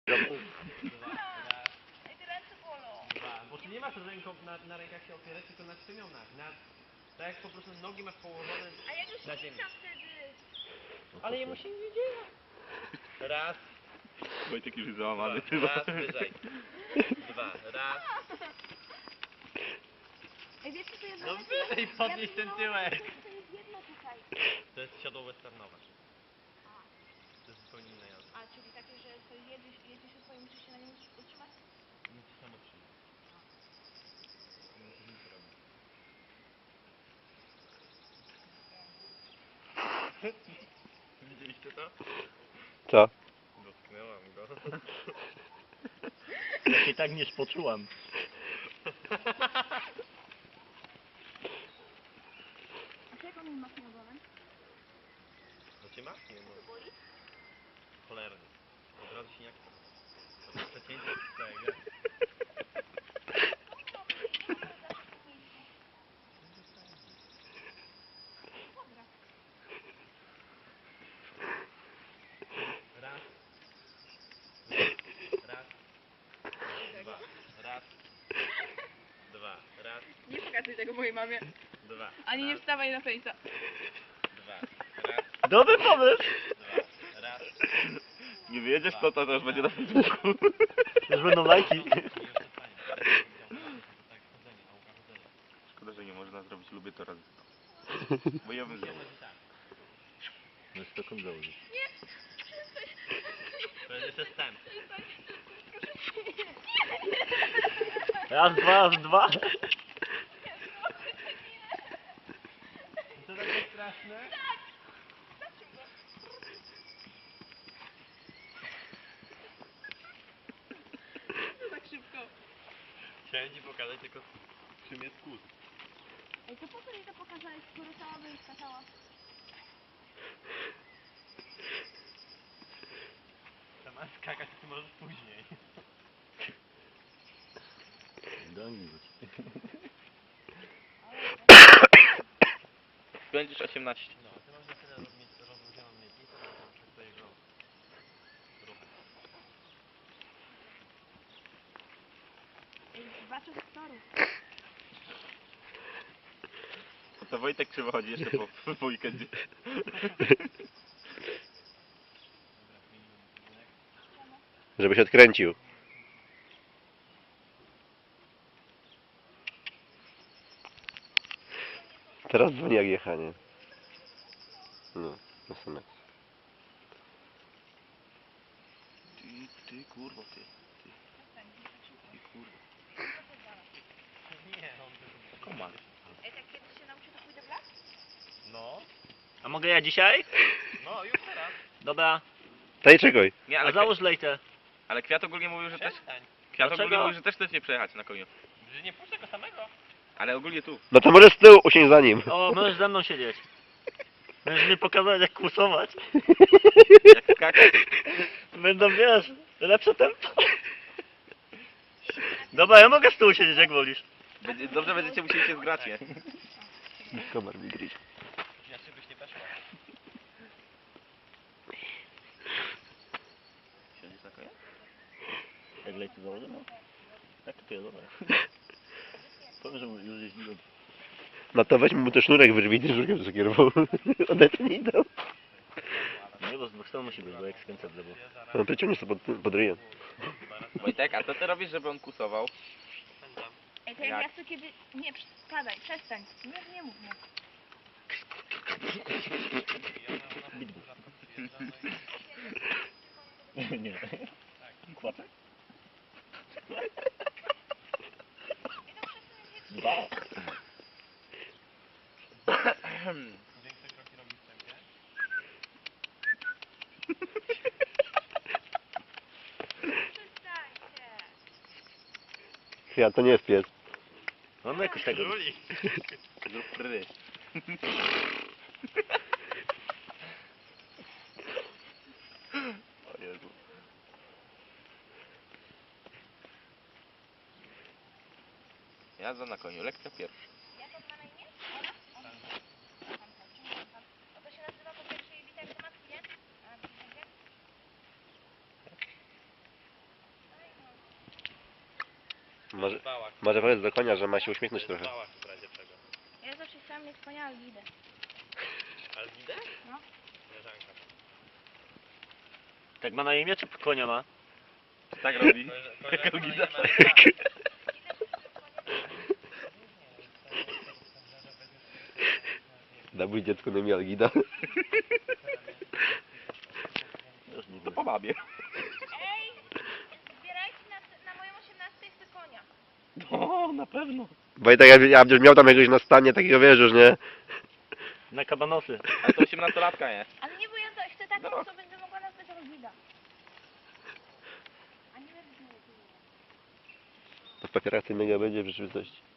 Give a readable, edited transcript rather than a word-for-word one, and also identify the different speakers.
Speaker 1: Dwa, raz,
Speaker 2: Ej, te ręce bolą.
Speaker 1: dwa. Bo ty nie masz na rękach się opierać, tylko na stymionach. Tak jak po prostu nogi masz położone
Speaker 2: A ja już
Speaker 1: na ziemi.
Speaker 2: klikam wtedy.
Speaker 1: Ale jemu się nie dzieje. Raz,
Speaker 3: Wojtek już jest
Speaker 1: dwa,
Speaker 3: załamany.
Speaker 1: raz, wyżej. Dwa, raz.
Speaker 2: Ej, wiesz co to jest?
Speaker 1: No
Speaker 2: za
Speaker 1: wyżej
Speaker 2: rzecz?
Speaker 1: podnieś ten tyłek.
Speaker 2: To jest jedno tutaj.
Speaker 1: To jest siodło westernowe. To jest zupełnie inna jazda.
Speaker 2: A, czyli takie, że to jedziesz się swoim, musisz się na nim utrzymać?
Speaker 1: Musisz tam otrzymać. Nie musisz nic robić. Widzieliście to?
Speaker 4: Co?
Speaker 1: Dotknęłam go.
Speaker 4: Ja się tak nie spoczułam.
Speaker 2: A co jak on mi machnie ogonem?
Speaker 1: To cię machnie, no. Cholernie. Od razu się jak to. To jest przecięcie tego. Raz. Raz. Dwa. Raz. Dwa. Raz.
Speaker 2: Nie pokazuj tego mojej mamie.
Speaker 1: Dwa.
Speaker 2: Ani nie
Speaker 1: Raz.
Speaker 2: wstawaj na fejsa.
Speaker 1: Dwa. Raz.
Speaker 4: Dobry pomysł!
Speaker 1: Dwa. Raz.
Speaker 3: Nie wyjedziesz to już będzie na Facebooku.
Speaker 4: Już będą lajki.
Speaker 3: Szkoda, że nie można zrobić, lubię to raz. Bo ja bym zrobił.
Speaker 4: No 100 sekund założyć.
Speaker 1: To jest jeszcze wstęp.
Speaker 4: Raz, dwa, raz, dwa.
Speaker 1: To takie straszne?
Speaker 2: Tak szybko.
Speaker 1: Chciałem ci pokazać tylko czym jest kłód.
Speaker 2: Ej, to po co mi to pokazałeś, skoro sama bym skakała?
Speaker 1: Sama skakać ty możesz później.
Speaker 4: Do Anglii wróć.
Speaker 3: Będziesz 18.
Speaker 1: No, ty masz na tyle rozluźnioną miednicę, przez twojego ruchu.
Speaker 2: Ej, zobaczę z toru.
Speaker 3: To Wojtek krzywo chodzi jeszcze po weekendzie.
Speaker 1: Dobra, zmienimy kierunek.
Speaker 4: Żeby się odkręcił. Teraz dzwoni jak jechanie. No, SMS.
Speaker 3: Ty kurwa, ty kurwa.
Speaker 1: Nie, on tylko...
Speaker 3: Komar.
Speaker 2: Ej, tak kiedyś się nauczy, to pójdę w las?
Speaker 1: No,
Speaker 4: A mogę ja dzisiaj?
Speaker 1: no już teraz.
Speaker 4: Dobra.
Speaker 3: Daj czekaj. Nie,
Speaker 4: A załóż lejtę.
Speaker 3: ale Kwiat ogólnie mówił, że też...
Speaker 1: Przestań.
Speaker 3: Kwiat
Speaker 4: Dlaczego?
Speaker 3: ogólnie mówił, że też chce nie przejechać na koniu.
Speaker 1: Że nie puszczę go samego.
Speaker 3: Ale ogólnie tu.
Speaker 4: No to może z tyłu usiąść za nim. O, możesz ze mną siedzieć. Możesz mi pokazać jak kłusować.
Speaker 3: Jak skakać.
Speaker 4: Będą, wiesz, lepsze tempo. Dobra, ja mogę z tyłu siedzieć jak wolisz.
Speaker 3: Dobrze będziecie musieli się zgrać, nie?
Speaker 4: Komar mi gryź.
Speaker 1: Inaczej byś nie weszła.
Speaker 3: Siedzisz na konia?
Speaker 4: Jak lejce założę, no. Jak to jest, dobra. Powiem, że już jeździłem. No to weźmy mu ten sznurek wyrwij, żurkiem zakierował. Odetnij to. Nie, bo z dwóch stron musi być, bo jak skręca w lewo. No przeciągniesz to pod ryjem.
Speaker 3: Wojtek, a co ty robisz, żeby on kusował?
Speaker 2: Ej, to
Speaker 3: Jak?
Speaker 2: ja chcę kiedy... Nie, spadaj, przestań. Nie mów mnie.
Speaker 4: Nie. Kłaczek? Dwa.
Speaker 1: Większe kroki robi w tempie.
Speaker 2: Przestańcie.
Speaker 4: Kwiat, to nie jest pies. Mamy jakoś tego.
Speaker 1: Królik.
Speaker 3: Zrób pry. O Jezu. Jazda na koniu, lekcja pierwsza.
Speaker 2: Jak on ma na imię? Ona? To się nazywa po pierwszej witaj do matki, nie? A, widzicie?
Speaker 4: Może,
Speaker 1: Bałach.
Speaker 4: może powiedz do konia, że ma się uśmiechnąć
Speaker 1: To jest
Speaker 4: trochę.
Speaker 1: bałach w razie czego.
Speaker 2: Ja zawsze chciałam mieć konia Algidę.
Speaker 1: Algidę?
Speaker 2: No.
Speaker 1: Leżanka.
Speaker 5: Tak ma na imię, czy konia ma?
Speaker 3: Tak robi.
Speaker 1: Koleżanka
Speaker 3: Algida.
Speaker 1: nie ma-
Speaker 4: Dawój dziecku na imię Algida.
Speaker 5: Już nie
Speaker 3: To
Speaker 5: wiem.
Speaker 3: po babie.
Speaker 2: Ej! Zbierajcie na moją 18 chcę konia.
Speaker 3: No, na pewno.
Speaker 4: Wojtek, ja będziesz miał tam jakiegoś na stanie takiego, wiesz już, nie?
Speaker 5: Na kabanosy.
Speaker 3: Ale to 18-latka nie.
Speaker 2: Ale nie, bo ja to chcę taką,
Speaker 3: No.
Speaker 2: co będę mogła nazwać Algida. A nie wiem,
Speaker 4: To w papierach tej mega będzie w rzeczywistości.